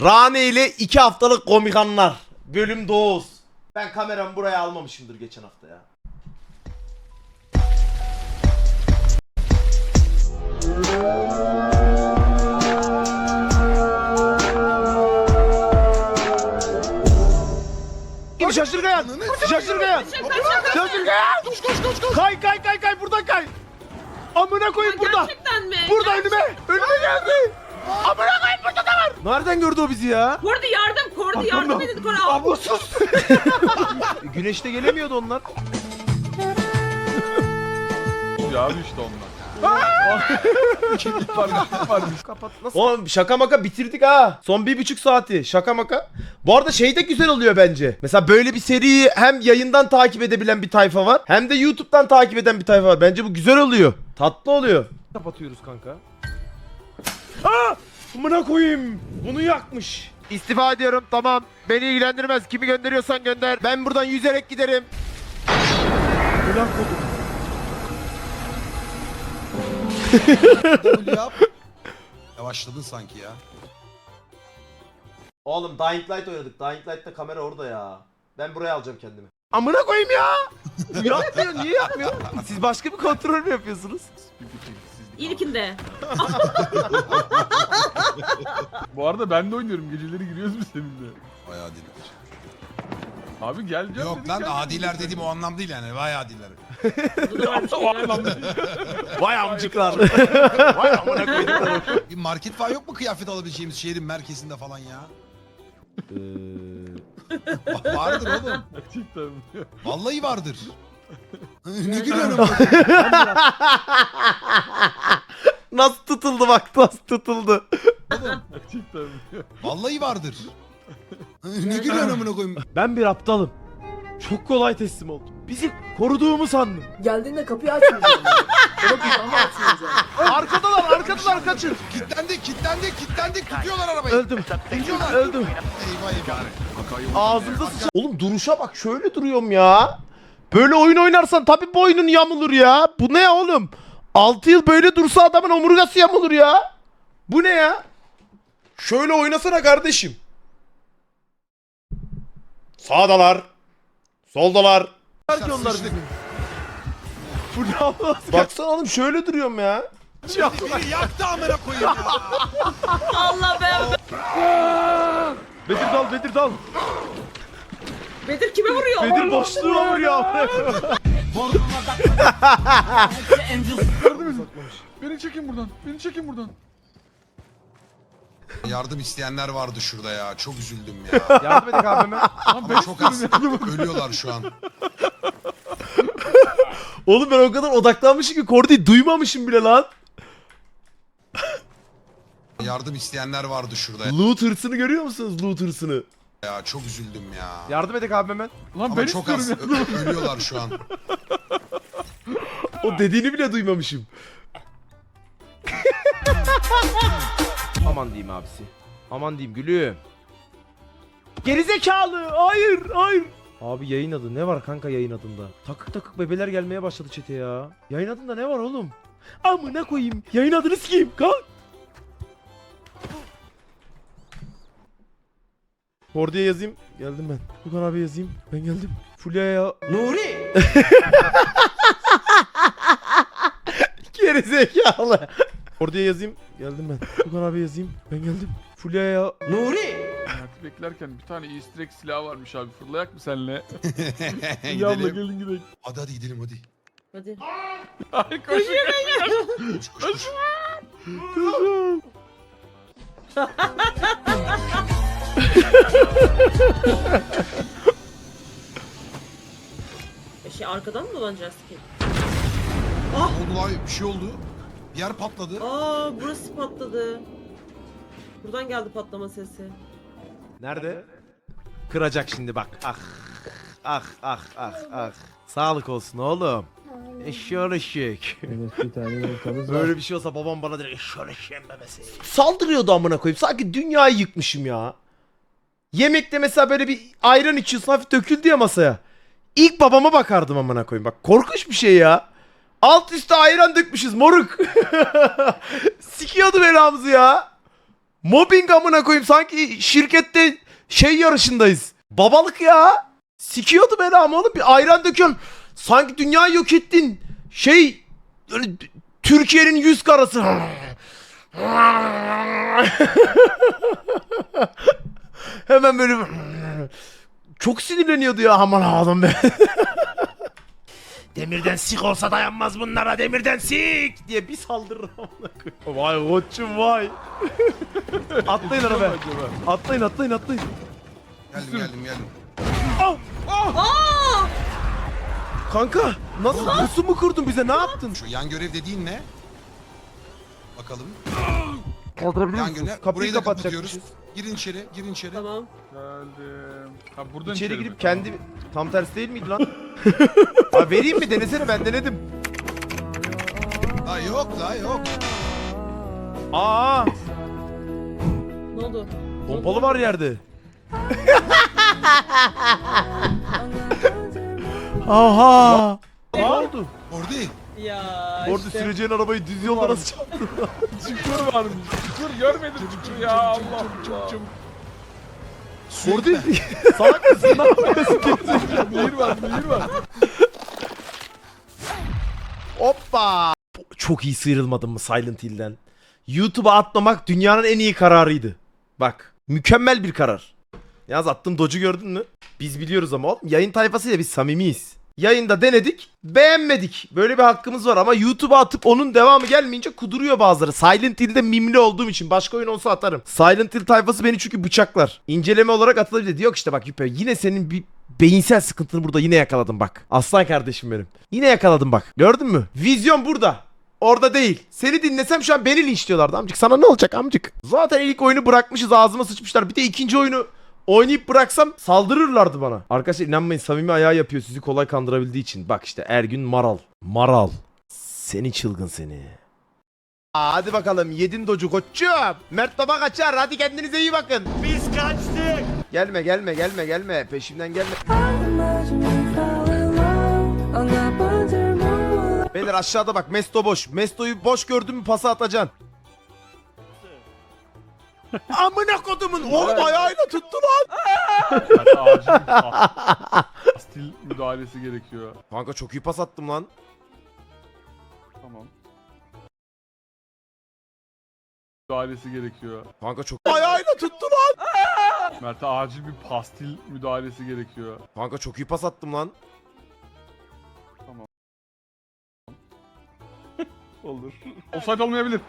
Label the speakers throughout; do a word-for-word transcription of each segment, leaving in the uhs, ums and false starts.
Speaker 1: Rane ile iki haftalık komik anlar. Bölüm dokuz. Ben kameramı buraya almamışımdır geçen hafta ya. Şaşırgayan! Şaşırgayan! Şaşırgayan!
Speaker 2: Koş koş koş koş.
Speaker 1: Kay kay kay kay buradan kay! Amına koyayım burada!
Speaker 3: Gerçekten mi?
Speaker 1: Burada önüme! Önüme geldi! Amına koyayım burada da var! Nereden gördü o bizi ya?
Speaker 3: Kordi yardım, Kordi yardım edin Koray.
Speaker 1: Abla sus! Güneşte gelemiyordu onlar.
Speaker 2: Ya abi işte onlar.
Speaker 1: Kapat nasıl? Oğlum şaka maka bitirdik ha. Son bir buçuk saati şaka maka. Bu arada şey de güzel oluyor bence. Mesela böyle bir seriyi hem yayından takip edebilen bir tayfa var. Hem de YouTube'dan takip eden bir tayfa var. Bence bu güzel oluyor. Tatlı oluyor. Kapatıyoruz kanka. Aa! Amına koyayım. Bunu yakmış. İstifa ediyorum tamam. Beni ilgilendirmez. Kimi gönderiyorsan gönder. Ben buradan yüzerek giderim. Ulan kodum.
Speaker 4: W yap. Yavaşladın sanki ya.
Speaker 1: Oğlum Dying Light oynadık. Dying Light'ta kamera orada ya. Ben buraya alacağım kendimi. Amına koyayım ya. Yapmıyor. Niye yapmıyor? Siz başka bir kontrol mü yapıyorsunuz?
Speaker 3: İlkinde.
Speaker 2: Bu arada ben de oynuyorum. Geceleri giriyoruz biz seninle.
Speaker 4: Vay adiler.
Speaker 2: Abi gel canım.
Speaker 4: Yok
Speaker 2: dedik,
Speaker 4: lan
Speaker 2: gel.
Speaker 4: adiler dediğim o anlam değil yani. Vay adiler.
Speaker 1: Vay amcıklar. Vay amına koyduklarım.
Speaker 4: Bir market falan yok mu kıyafet alabileceğimiz şehrin merkezinde falan ya? Va- vardır oğlum.
Speaker 2: Gerçekten mi?
Speaker 4: Vallahi vardır. Ne gülüyorsun?
Speaker 1: Nasıl tutuldu bak nasıl tutuldu.
Speaker 2: Gerçekten mi?
Speaker 4: Vallahi vardır. Ne gülüyorsun amına koyayım?
Speaker 1: Ben bir aptalım. Çok kolay teslim oldum. Bizi koruduğumu sandım.
Speaker 5: Geldiğinde kapıyı açmayacağım. Ona kucağımı açmayacağım.
Speaker 1: Arkadalar arkadalar kaçın.
Speaker 4: Kitlendi, kitlendi, kitlendi. Tutuyorlar arabayı.
Speaker 1: Öldüm.
Speaker 4: Tutuyorlar.
Speaker 1: Öldüm.
Speaker 4: Eyvah eyvah.
Speaker 1: Ağzımda sıçan. Oğlum duruşa bak şöyle duruyorum ya. Böyle oyun oynarsan tabii boynun yamulur ya. Bu ne oğlum? altı yıl böyle dursa adamın omurgası yamulur ya. Bu ne ya? Şöyle oynasana kardeşim. Sağdalar. Soldalar. Belki onlar dedim. Baksana oğlum şöyle duruyorum ya.
Speaker 4: Biri yaktı amına koyayım ya.
Speaker 3: Allah be.
Speaker 1: Bedir dal Bedir dal.
Speaker 3: Bedir kime vuruyor?
Speaker 1: Bedir boşluğuna vuruyor.
Speaker 2: Beni çekin buradan. Beni çekin buradan.
Speaker 4: Yardım isteyenler vardı şurada ya. Çok üzüldüm ya.
Speaker 1: Yardım edin abime.
Speaker 4: Ama çok az ölüyorlar şu an.
Speaker 1: Oğlum ben o kadar odaklanmışım ki Kordi'yi duymamışım bile lan.
Speaker 4: Yardım isteyenler vardı şurada
Speaker 1: Loot hırsını görüyor musunuz? Loot hırsını.
Speaker 4: ya. Çok üzüldüm ya.
Speaker 1: Yardım edin abi hemen.
Speaker 2: Lan
Speaker 4: Ama
Speaker 2: ben
Speaker 4: çok
Speaker 2: istiyorum
Speaker 4: az
Speaker 2: ya.
Speaker 4: ö- ölüyorlar şu an.
Speaker 1: O dediğini bile duymamışım. Aman diyeyim abisi. Aman diyeyim gülüm. Gerizekalı. Hayır, hayır. Abi yayın adı ne var kanka yayın adında? Takık takık bebeler gelmeye başladı çete ya. Yayın adında ne var oğlum? Amına koyayım. Yayın adını sikeyim. Kalk. Kordi'ye yazayım. Geldim ben. Furkan abi yazayım. Ben geldim. Fulya'ya... Nuri! Gerizekalı. Kordi'ye yazayım. Geldim ben. Furkan abi yazayım. Ben geldim. Fulya'ya... Nuri!
Speaker 2: Hayatı beklerken bir tane easter egg silahı varmış abi. Fırlayak mı senle? Yavla
Speaker 4: gidelim.
Speaker 2: gelin gidelim.
Speaker 4: Hadi hadi gidelim hadi.
Speaker 3: Hadi.
Speaker 2: Ay koşun.
Speaker 4: Koş koş koş.
Speaker 1: Kızım.
Speaker 3: E şey arkadan mı dolanacağız ki?
Speaker 4: Ne oldu lan? Bir şey oldu. Bir yer patladı.
Speaker 3: Aa burası patladı. Buradan geldi patlama sesi.
Speaker 1: Nerede? Kıracak şimdi bak. Ah. Ah ah ah ah. Sağlık olsun oğlum. Eşşoğlu eşek. Böyle bir şey olsa babam bana direkt eşşoğlu eşeğin bebesi. Saldırıyordu amına koyayım. Sanki dünyayı yıkmışım ya. Yemekte mesela böyle bir ayran içiyorsun hafif döküldü ya masaya. İlk babama bakardım amına koyayım. Bak korkunç bir şey ya. Alt üstte ayran dökmüşüz moruk. Sikiyordu belamızı ya. Mobbing amına koyayım, sanki şirkette şey yarışındayız. Babalık ya. Sikiyordu beni ama oğlum, bir ayran döküyorsun. Sanki dünyayı yok ettin. Şey böyle Türkiye'nin yüz karası. Hemen böyle çok sinirleniyordu ya, aman ağlam be. Demirden sik olsa dayanmaz bunlara, demirden sik diye bir saldırır. Vay koçum vay. Atlayın arabaya. Atlayın atlayın atlayın.
Speaker 4: Geldim geldim geldim.
Speaker 1: Kanka nasıl pusu mu kurdun bize, ne yaptın?
Speaker 4: Şu yan görev dediğin ne? Bakalım.
Speaker 1: Kaldırabilir
Speaker 4: Yan
Speaker 1: misiniz?
Speaker 4: görev.
Speaker 1: Kapıyı
Speaker 4: Burayı da
Speaker 1: kapatacakmışız.
Speaker 4: kapatıyoruz. Girin içeri, girin içeri.
Speaker 3: Tamam.
Speaker 2: Geldim. Ha buradan
Speaker 1: İçeri
Speaker 2: mi?
Speaker 1: girip kendi... Tam tersi değil miydi lan? Ha, vereyim mi, denesene, ben denedim.
Speaker 4: La yok la yok.
Speaker 1: Aa,
Speaker 3: Ne oldu?
Speaker 1: pompalı var yerde. Aha. Ne oldu?
Speaker 4: Orada.
Speaker 3: Ya
Speaker 1: Orada
Speaker 3: işte.
Speaker 1: süreceğin arabayı düz yolda nasıl çarptı?
Speaker 2: Çukur varmış. Çukur görmedim çukur ya Allah Allah.
Speaker 1: Orada salak mısın, ne yapıyorsun?
Speaker 2: Nehir var nehir var.
Speaker 1: Hoppa. Çok iyi sıyrılmadım mı Silent Hill'den? YouTube'a atmamak dünyanın en iyi kararıydı. Bak, mükemmel bir karar. Yalnız attığım dodge'u gördün mü? Biz biliyoruz ama oğlum, yayın tayfasıyla biz samimiyiz. Yayında denedik, beğenmedik. Böyle bir hakkımız var ama YouTube'a atıp onun devamı gelmeyince kuduruyor bazıları. Silent Hill'de mimli olduğum için başka oyun olsa atarım. Silent Hill tayfası beni çünkü bıçaklar. İnceleme olarak atılabilir. Diyor ki işte bak Yüpe, yine senin bir beyinsel sıkıntını burada yine yakaladım bak. Aslan kardeşim benim. Yine yakaladım bak. Gördün mü? Vizyon burada. Orada değil. Seni dinlesem şu an beni linçliyorlardı amcık. Sana ne olacak amcık? Zaten ilk oyunu bırakmışız, ağzıma sıçmışlar. Bir de ikinci oyunu oynayıp bıraksam saldırırlardı bana. Arkadaşlar inanmayın, samimi ayağı yapıyor sizi kolay kandırabildiği için. Bak işte Ergün Maral. Maral. Seni çılgın seni. Aa, hadi bakalım yedin docu koçum. Mert baba kaçar, hadi kendinize iyi bakın. Biz kaçtık. Gelme gelme gelme gelme, peşimden gelme. Beyler aşağıda bak, Mesto boş. Mesto'yu boş gördün mü pası atacaksın. Amına kodumun oğlum, ayağıyla tuttu lan.
Speaker 2: Acil bir stil müdahalesi gerekiyor.
Speaker 1: Kanka çok iyi pas attım lan.
Speaker 2: Tamam. Müdahalesi gerekiyor.
Speaker 1: Kanka çok ayağıyla tuttu lan.
Speaker 2: Mert'e acil bir pastil müdahalesi gerekiyor.
Speaker 1: Kanka çok iyi pas attım lan.
Speaker 2: Olur. Offside olmayabilir.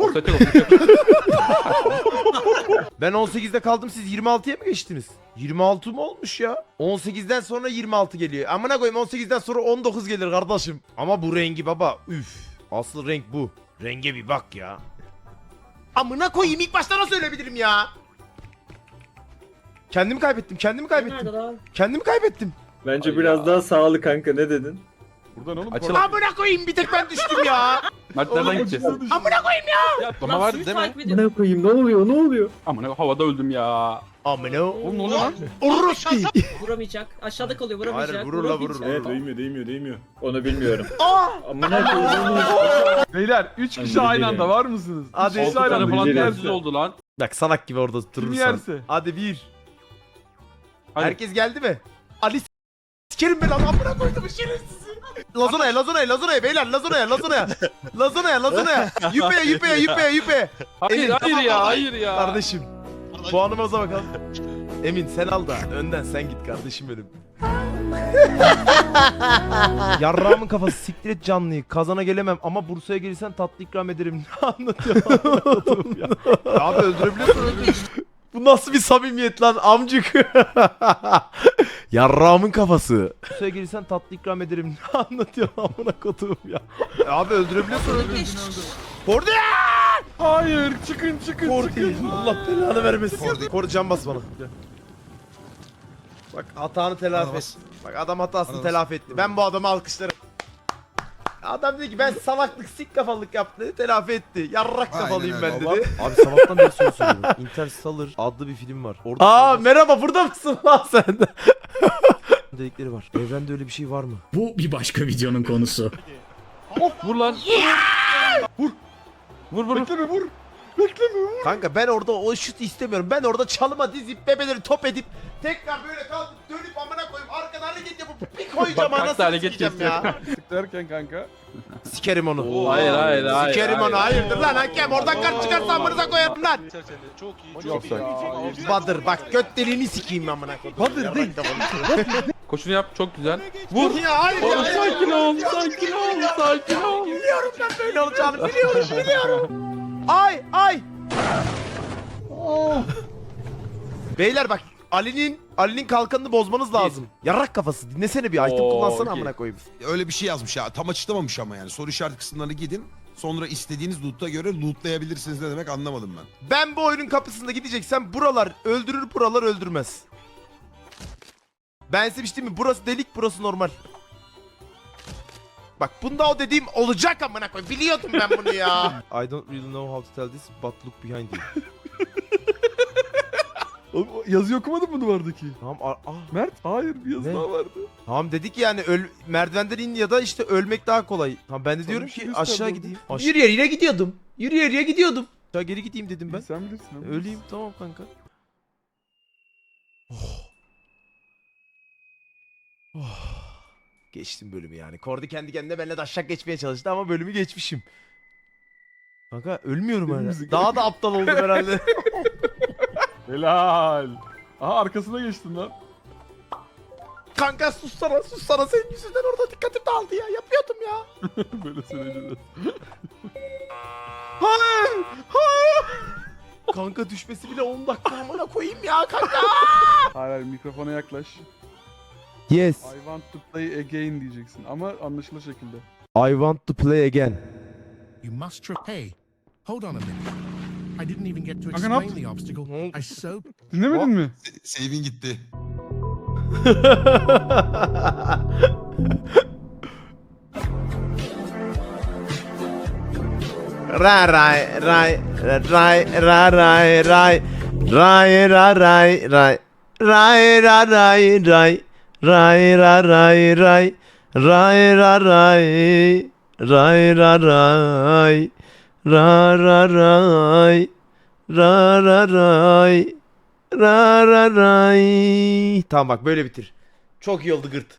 Speaker 1: Ben on sekizde kaldım, siz yirmi altıya mı geçtiniz? yirmi altı mı olmuş ya? on sekizden sonra yirmi altı geliyor. Amına koyayım, on sekizden sonra on dokuz gelir kardeşim. Ama bu rengi baba üf. Asıl renk bu. Renge bir bak ya. Amına koyayım, ilk başta nasıl ölebilirim ya? Kendimi kaybettim, kendimi kaybettim.
Speaker 3: Nerede lan?
Speaker 1: Kendimi kaybettim.
Speaker 6: Bence
Speaker 2: Ay
Speaker 6: biraz
Speaker 2: ya.
Speaker 6: daha sağlı kanka, ne dedin?
Speaker 2: Buradan oğlum.
Speaker 7: Açıl-
Speaker 1: Amına koyayım, bir tek ben düştüm ya.
Speaker 7: Mert nereden gideceğiz?
Speaker 1: Amına koyayım ya.
Speaker 7: Atlama
Speaker 3: Lan
Speaker 7: var
Speaker 3: sizi
Speaker 7: değil mi?
Speaker 3: takip ediyorum.
Speaker 6: Ne koyayım, ne oluyor, ne oluyor?
Speaker 7: Aman havada öldüm ya.
Speaker 1: Amına.
Speaker 2: Oğlum ne oluyor lan?
Speaker 1: Urruski.
Speaker 3: Vuramayacak. Aşağıda kalıyor, vuramayacak.
Speaker 1: Hayır, vurur la, vurur.
Speaker 3: vuramayacak.
Speaker 6: Evet, değmiyor, değmiyor, değmiyor. Onu bilmiyorum.
Speaker 1: Aa!
Speaker 6: Amına koyayım.
Speaker 2: Beyler üç kişi
Speaker 6: Ben
Speaker 2: aynı
Speaker 6: de
Speaker 2: anda var mısınız?
Speaker 1: Hadi.
Speaker 2: Üç kişi
Speaker 1: Altı
Speaker 2: aynı
Speaker 7: tane
Speaker 2: anda
Speaker 7: falan
Speaker 6: bilgiler.
Speaker 7: tersiz oldu lan.
Speaker 1: Bak salak gibi orada durursan.
Speaker 2: yerse?
Speaker 1: Hadi bir.
Speaker 7: Hadi.
Speaker 1: Herkes geldi mi? Ali s- sikerim ben lan, amına koydum şerefsizi. Lazona'ya, Lazona'ya, Lazona'ya beyler, Lazona'ya, Lazona'ya. Lazona'ya, Lazona'ya. Yüpeye, yüpeye, yüpeye, yüpeye.
Speaker 7: Hayır
Speaker 1: Emin,
Speaker 7: hayır ya hayır ya.
Speaker 1: Kardeşim. Puanımıza bakalım. Emin sen al da önden sen git kardeşim benim. Yarrağımın kafası, siktir et canlıyı. Kazana gelemem ama Bursa'ya gelirsen tatlı ikram ederim. Ne anlatıyorsun ya? Abi öldürebiliyorsun, öldürebiliyorsun. Bu nasıl bir samimiyet lan amcık? Yarrağımın kafası. Bursa'ya gelirsen tatlı ikram ederim. Ne anlatıyorsun amına koduğum ya? Abi öldürebiliyorsun, öldürebiliyorsun. Kordi!
Speaker 2: Hayır çıkın çıkın
Speaker 1: Kordi!
Speaker 2: çıkın.
Speaker 1: Allah belanı vermesin. Kordi, Kordi can bas bana. Bak hatanı telafi
Speaker 4: Bana
Speaker 1: et.
Speaker 4: bas.
Speaker 1: Bak adam hatasını
Speaker 4: Bana bas.
Speaker 1: telafi etti. Ben bu adamı alkışlarım. Adam dedi ki ben salaklık, sik kafalılık yaptı, telafi etti. Yarrak
Speaker 4: Aynen
Speaker 1: kafalıyım
Speaker 4: öyle
Speaker 1: ben
Speaker 4: baba.
Speaker 1: dedi. Abi sabahtan beri soru soruyorum. Interstellar adlı bir film var. Orada Aa merhaba, burada mısın lan sen de? Dedikleri var. Evrende öyle bir şey var mı?
Speaker 8: Bu bir başka videonun konusu.
Speaker 7: Vur lan. Vur. Vur vur.
Speaker 2: Bekleme vur.
Speaker 1: Kanka ben orada o şut istemiyorum. Ben orada çalıma dizip bebeleri top edip tekrar böyle kalkıp dönüp amına koyayım arkadan hareket yapıp bir koyacağım
Speaker 7: Bak, bak,
Speaker 1: anasını
Speaker 7: hareket
Speaker 1: sikeceğim ya.
Speaker 2: Tık derken kanka.
Speaker 1: Sikerim onu.
Speaker 7: Hayır hayır hayır.
Speaker 1: Sikerim onu hayırdır lan hakem oradan kart çıkarsa amınıza koyarım lan.
Speaker 5: Çok iyi.
Speaker 2: Çok
Speaker 5: Çok iyi.
Speaker 2: iyi.
Speaker 1: Badır bak göt deliğini sikeyim amına koyayım. Badır değil.
Speaker 7: Koşunu yap çok güzel.
Speaker 1: Vur ya hayır
Speaker 7: Oğlum
Speaker 1: ya.
Speaker 7: sakin ol sakin ol sakin ol.
Speaker 1: Biliyorum ben böyle olacağını biliyorum biliyorum. Ay ay. Beyler bak Ali'nin Ali'nin kalkanını bozmanız lazım. Yarrak kafası dinlesene bir item
Speaker 7: Oo,
Speaker 1: kullansana
Speaker 7: okey.
Speaker 1: amına koyayım.
Speaker 4: Öyle bir şey yazmış ya. Tam açıklamamış ama yani. Soru işareti kısımlarını gidin. Sonra istediğiniz loot'a göre lootlayabilirsiniz ne demek anlamadım ben.
Speaker 1: Ben bu oyunun kapısında gideceksem buralar öldürür buralar öldürmez. Ben size bir şey diyeyim mi? Burası delik burası normal. Bak bunda o dediğim olacak amına koyayım. Biliyordum ben bunu ya. I don't really know how to tell this but look behind you.
Speaker 2: Oğlum yazıyı okumadın mı duvardaki?
Speaker 1: Tamam a- ah.
Speaker 2: Mert hayır bir yazı
Speaker 1: Ne?
Speaker 2: daha vardı.
Speaker 1: Tamam dedik yani öl merdivenden in ya da işte ölmek daha kolay. Tamam ben de diyorum
Speaker 2: bir
Speaker 1: ki
Speaker 2: şey
Speaker 1: aşağı
Speaker 2: gösterdi
Speaker 1: gideyim. Aş- yürü yere gidiyordum. Yürü yere gidiyordum. Aşağı geri gideyim dedim ben.
Speaker 2: Sen bilirsin ama.
Speaker 1: Öleyim tamam kanka. Oh. Oh. Geçtim bölümü yani. Kordi kendi kendine benimle daşşak geçmeye çalıştı ama bölümü geçmişim. Kanka ölmüyorum hala.
Speaker 2: Ölümümüzü
Speaker 1: Daha da aptal oldum herhalde.
Speaker 2: Helal. Aha arkasına geçtin lan.
Speaker 1: Kanka sussana sussana senin yüzünden orada dikkatim dağıldı ya. Yapıyordum ya.
Speaker 2: Böyle söyleyeceğiz.
Speaker 1: Hayır. Hayır. Kanka düşmesi bile on dakika amına koyayım ya kanka.
Speaker 2: Hayır hayır mikrofona yaklaş.
Speaker 1: Yes.
Speaker 2: I want to play again diyeceksin ama anlaşılır şekilde.
Speaker 1: I want to play again.
Speaker 8: You must try. Hey, hold on a minute. I didn't even get to
Speaker 2: Kanka ne
Speaker 8: explain the obstacle. I so
Speaker 2: Dinlemedin mi?
Speaker 4: Save'in gitti.
Speaker 1: Ra ray ray ray ra ray ray ray ra ray ray ray ra ray ray ray ra ray ray ray ra ray ray ra ray ra ra ray ra ra ray ra ra ray. Tamam bak böyle bitir. Çok iyi oldu gırt.